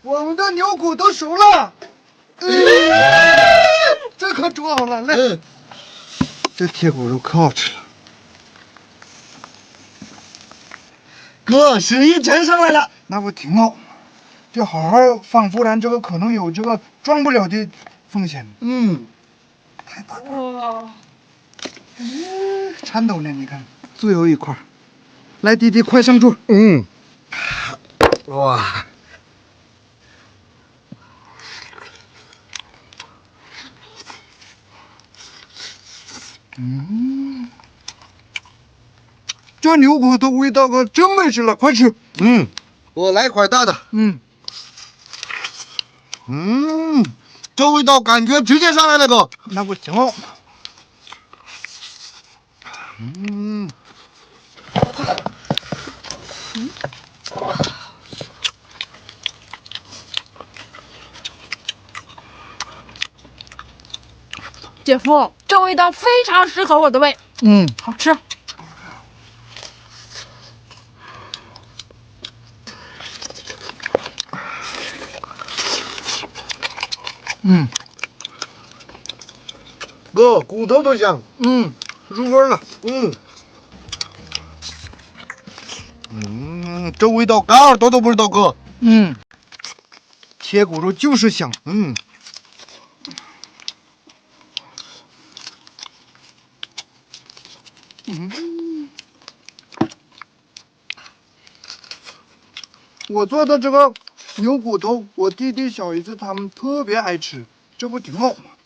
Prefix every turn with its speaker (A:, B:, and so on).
A: 我们的牛骨都熟了，这可煮好了，来，这铁骨肉可好吃了。
B: 哥，生意真上来了。
A: 那不挺好？就好好放，不然这个可能有这个赚不了的风险。太大了。哇，颤抖呢，你看，最后一块，来，弟弟快上桌。
B: 哇，
A: 这牛骨头味道可真美食了，快吃。
B: 我来块大的。这味道感觉直接上来了，哥。
A: 那不挺好？
C: 姐夫，这味道非常适合我的胃。好吃。
B: 哥，骨头都香。
A: 入味了。
B: 这味道干耳朵都不知道，哥。
A: 铁骨肉就是香。我做的这个牛骨头，我弟弟、小姨子他们特别爱吃，这不挺好吗？